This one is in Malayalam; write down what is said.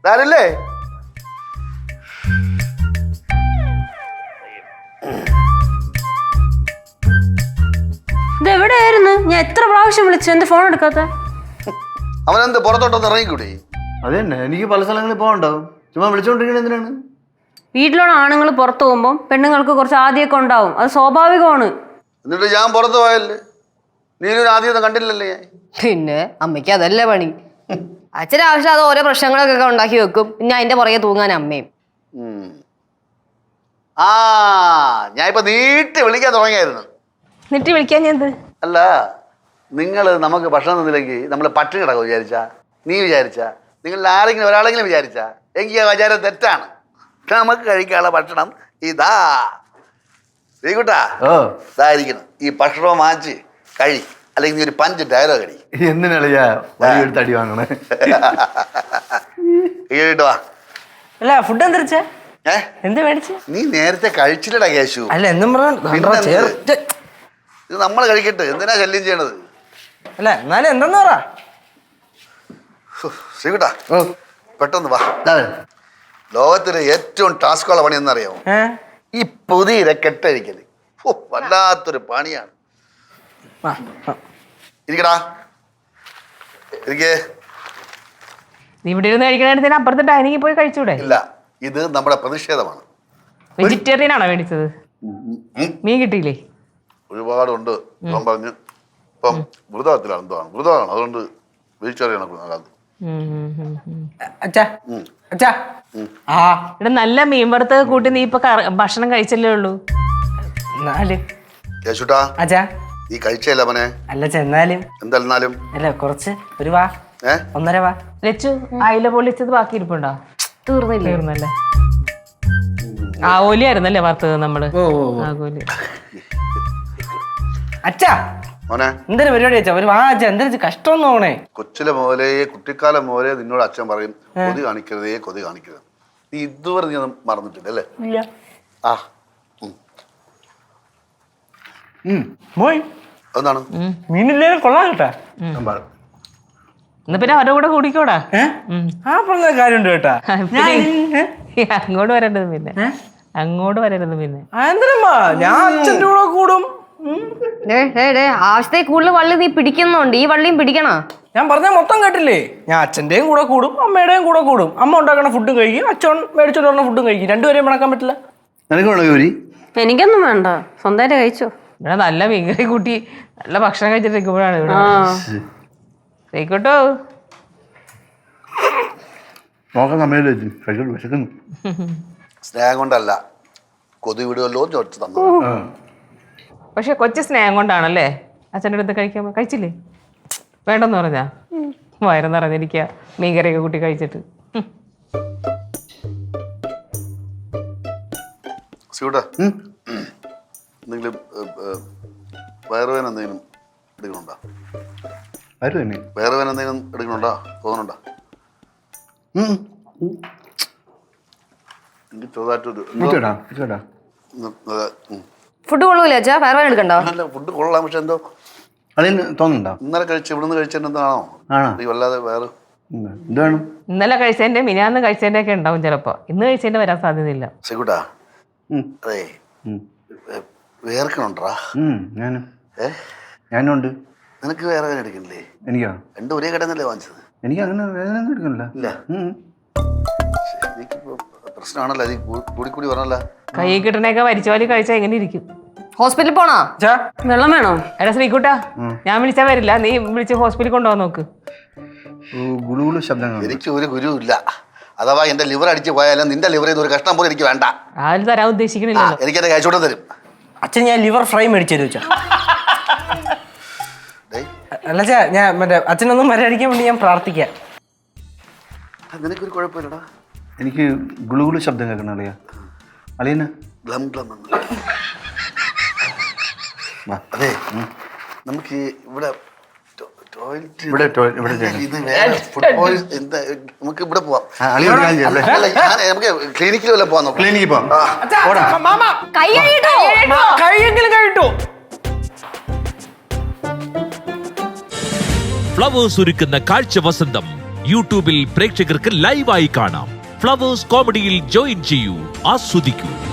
ആരല്ലേ? ഇതെവിടെയായിരുന്നു? ഞാൻ എത്ര പ്രാവശ്യം വിളിച്ചു, എന്റെ ഫോൺ എടുക്കാത്ത? അവനെന്ത് പുറത്തോട്ടൊന്ന് ഇറങ്ങിക്കൂടെ? അത് തന്നെ, എനിക്ക് പല സ്ഥലങ്ങളിൽ പോകണ്ടാവും. ചുമ്മാ വിളിച്ചോണ്ടിരിക്കണ എന്തിനാണ്? വീട്ടിലുള്ള ആണുങ്ങൾ പുറത്തു പോകുമ്പോൾ പെണ്ണുങ്ങൾക്ക് കുറച്ച് ആദ്യമൊക്കെ ഉണ്ടാവും, അത് സ്വാഭാവികമാണ്. എന്നിട്ട് ഞാൻ പുറത്ത് പോയല്ലേ, നീനൊരു ആദ്യമൊന്നും കണ്ടില്ലല്ലേ ഞാൻ? പിന്നെ അമ്മയ്ക്ക് അതല്ലേ പണി. അച്ഛന് ആവശ്യം അത് ഓരോ പ്രശ്നങ്ങളൊക്കെ ഉണ്ടാക്കി വെക്കും, പിന്നെ അതിന്റെ പുറകെ തൂങ്ങാൻ അമ്മയും. ആ ഞാൻ ഇപ്പൊ നീട്ടി വിളിക്കാൻ തുടങ്ങിയായിരുന്നു. എന്നിട്ട് വിളിക്കാൻ ഞാൻ അല്ല, നിങ്ങൾ നമുക്ക് ഭക്ഷണം തന്നില്ലെങ്കിൽ നമ്മൾ പട്ടിണി കിടക്കും വിചാരിച്ചാ? നീ വിചാരിച്ചാ? നിങ്ങളിൽ ആരെങ്കിലും ഒരാളെങ്കിലും വിചാരിച്ചാ? എങ്കിൽ ആ വിചാരം തെറ്റാണ്. നമുക്ക് കഴിക്കാനുള്ള ഭക്ഷണം ഇതാ. ശ്രീകുട്ടാ, ഇതായിരിക്കണം. ഈ ഭക്ഷണം വാങ്ങിച്ച് കഴി, അല്ലെങ്കിൽ നീ ഒരു 5 ഡയലോഗ് അടി. എന്തിനാളിയാ വലിയൊരു തടി വാങ്ങണേ? കേട്ടോ അല്ല ഫുഡ് എന്തരിച്ച എന്ത് മേടിച്ച? നീ നേരത്തെ കഴിച്ചില്ലടാ കേശു. അല്ല എന്നും ഇത് നമ്മൾ കഴിക്കട്ടെ, എന്തിനാ ശല്യം ചെയ്യണത്? അല്ല എന്നാലും എന്തെന്ന് പറ ശ്രീകുട്ടാ, പെട്ടെന്ന് വാ. ലോകത്തിലെ ഏറ്റവും ടാസ്കുള്ള പണി എന്നറിയാമോ? ഈ പുതിയ കെട്ടഴിക്കല്. വല്ലാത്തൊരു പണിയാണ്. ഇരിക്കടാ, ഇരിക്കേ. നീ ഇവിടെ ഇരുന്ന് കഴിക്കണ അപ്പുറത്തെ ഡൈനിങ്ങിൽ പോയി കഴിച്ചൂടെ? ഇല്ല, ഇത് നമ്മുടെ പ്രതിഷേധമാണ്. വെജിറ്റേറിയൻ ആണോ മേടിച്ചത്? മീൻ കിട്ടിയില്ലേ? ഒരുപാടുണ്ട്. ഞാൻ പറഞ്ഞു ഇപ്പം വൃതത്തിലാണ്, എന്താണ് വൃതമാണ്, അതുകൊണ്ട് വെജിറ്റേറിയൻ ആണ്. ഇവിടെ നല്ല മീൻ വറുത്ത കൂട്ടി നീ ഇപ്പൊ ഭക്ഷണം കഴിച്ചല്ലേ ഉള്ളൂ. കേശുട്ടാ, നീ കഴിച്ചല്ല അവനെ? അല്ല ചെന്നാലും എന്തായാലും അല്ല കുറച്ച് ഒരു വാ, 1.5 വാ. ലച്ചു, അയില പൊള്ളിച്ചത് ബാക്കി ഇരിപ്പുണ്ടോ? തീർന്നല്ലേ? ആവോലിയായിരുന്നല്ലേ വറുത്തത് നമ്മള്? ആകോലി. അച്ഛാ എന്തൊരു പരിപാടി അച്ഛാ, ഒരു വാ അച്ഛാ. എന്തൊരു കഷ്ടം തോന്നേ. കൊച്ചിലെ മോലെ, കുട്ടിക്കാലം മോലെ നിന്നോട് അച്ഛൻ പറയും, കൊതി കാണിക്കരുതേ, കൊതി കാണിക്കരുത്. നീ ഇതുവരെ നീ ഒന്നും മറന്നിട്ടില്ല അല്ലേ? ആ എന്താണ് മീനില്ലേലും കൊള്ളാം കേട്ടാ. എന്നാ പിന്നെ അവരുടെ കൂടെ കൂടിക്കോടാ. ആ പറഞ്ഞ കാര്യമുണ്ട് കേട്ടാ. അങ്ങോട്ട് വരരുത് പിന്നെ, അങ്ങോട്ട് വരരുത് പിന്നെ. എന്തിനമ്മാ, ഞാൻ അച്ഛൻ്റെ കൂടെ കൂടും. ആവശ്യത്തെ കൂടുതൽ വള്ളി നീ പിടിക്കുന്നുണ്ട്, ഈ വള്ളിയും പിടിക്കണ. ഞാൻ പറഞ്ഞ മൊത്തം കേട്ടില്ലേ? ഞാൻ അച്ഛൻ്റെയും കൂടെ കൂടും, അമ്മയുടെയും കൂടെ കൂടും. അമ്മ ഉണ്ടാക്കണ ഫുഡും കഴിക്കും, അച്ഛൻ മേടിച്ചോണ്ട് പറഞ്ഞ ഫുഡും കഴിക്കും. രണ്ടുപേരെയും മണക്കാൻ പറ്റില്ല. എനിക്കൊന്നും വേണ്ട, സ്വന്തമായിട്ട് കഴിച്ചോ. ഇവിടെ നല്ല മീൻകറി കൂട്ടി നല്ല ഭക്ഷണം കഴിച്ചിട്ടിരിക്കുമ്പോഴാണ് ഇവിടെ കഴിക്കോട്ടോ. സ്നേഹം കൊണ്ടല്ല, കൊതി വിടുമല്ലോ ചോദിച്ചു തന്നു. പക്ഷെ കൊച്ചു സ്നേഹം കൊണ്ടാണല്ലേ അച്ഛൻ്റെ അടുത്ത് കഴിക്കാൻ. കഴിച്ചില്ലേ? വേണ്ടെന്ന് പറഞ്ഞാ വയറെന്ന് പറഞ്ഞിരിക്കുക മീൻകറിയൊക്കെ കൂട്ടി കഴിച്ചിട്ട്. എന്തെങ്കിലും വയറുവേന എന്തെങ്കിലും എടുക്കണുണ്ടോ? വയറുവേന എന്തെങ്കിലും എടുക്കണുണ്ടോ? തോന്നുന്നുണ്ടോ? എനിക്ക് ചെറുതായിട്ടൊരു ഫുഡ് കൊള്ളൂല അച്ഛാ, വയറുവേന എടുക്കണ്ടോ? ഫുഡ് കൊള്ളാം, പക്ഷെ എന്തോ തോന്നുന്നുണ്ടോ? ഇന്നലെ ഇവിടുന്ന് കഴിച്ചതിന്റെ എന്താണോ വല്ലാതെ വേറെ ഇന്നലെ കഴിച്ചതിന്റെ മിനിയാന്ന് കഴിച്ചതിന്റെ ഒക്കെ ഉണ്ടാവും ചിലപ്പോ. ഇന്ന് കഴിച്ചതിന്റെ വരാൻ സാധ്യതയില്ല. ശരിക്കൂട്ടാ, അതെ വേർക്കണുണ്ടാ? ഞാനുണ്ട്. നിനക്ക് വേറെ വേദന എടുക്കണില്ലേ? എനിക്കോ? രണ്ടും ഒരേ കടന്നല്ലേ വാങ്ങിച്ചത്? എനിക്ക് അങ്ങനെ വേദന ഒന്നും എടുക്കണില്ല. ഇല്ല, എനിക്കിപ്പോ പ്രശ്നമാണല്ലോ, അത് കൂടി പറഞ്ഞല്ല. കൈ കിട്ടണേക്കെ വലിച്ചോലി കഴിച്ചാൽ എങ്ങനെ ഇരിക്കും? ഹോസ്പിറ്റലിൽ പോണോ? വെള്ളം വേണോ? എടാ ശ്രീകുട്ടാ, ഞാൻ വിളിച്ചാ വരില്ല, നീ വിളിച്ച് ഹോസ്പിറ്റലിൽ കൊണ്ടുപോകാൻ നോക്ക്. എനിക്ക് ഒരു ഗുരു ഇല്ല. അഥവാ എന്റെ ലിവർ അടിച്ച് പോയാലും നിന്റെ ലിവർ ചെയ്ത് ഒരു കഷ്ണം പോലും എനിക്ക് വേണ്ട. ആരും തരാൻ ഉദ്ദേശിക്കണില്ല. എനിക്ക് എന്റെ കഴിച്ചോട്ടം തരും. അച്ഛൻ ഞാൻ ലിവർ ഫ്രൈ മേടിച്ചു തരും അച്ഛാ. അല്ല ചാ, ഞാൻ മറ്റേ അച്ഛനൊന്നും മര്യാദിക്കാൻ വേണ്ടി ഞാൻ പ്രാർത്ഥിക്കാം. നിനക്കൊരു കുഴപ്പമില്ലടാ. എനിക്ക് ഗുളുഗുളു ശബ്ദം കേൾക്കണം അളിയാ. അളിയന് അതെ, നമുക്ക് ഇവിടെ നമുക്ക് ഇവിടെ പോവാം. നമുക്ക് ക്ലിനിക്കിൽ വല്ല പോവാം. ക്ലിനിക്കിൽ പോവാം. കൈയെങ്കിലും കഴിട്ടു. ഫ്ലവേഴ്സ് ഒരുക്കുന്ന കാഴ്ച വസന്തം യൂട്യൂബിൽ പ്രേക്ഷകർക്ക് ലൈവായി കാണാം. ഫ്ലവേഴ്സ് കോമഡിയിൽ ജോയിൻ ചെയ്യൂ, ആസ്വദിക്കൂ.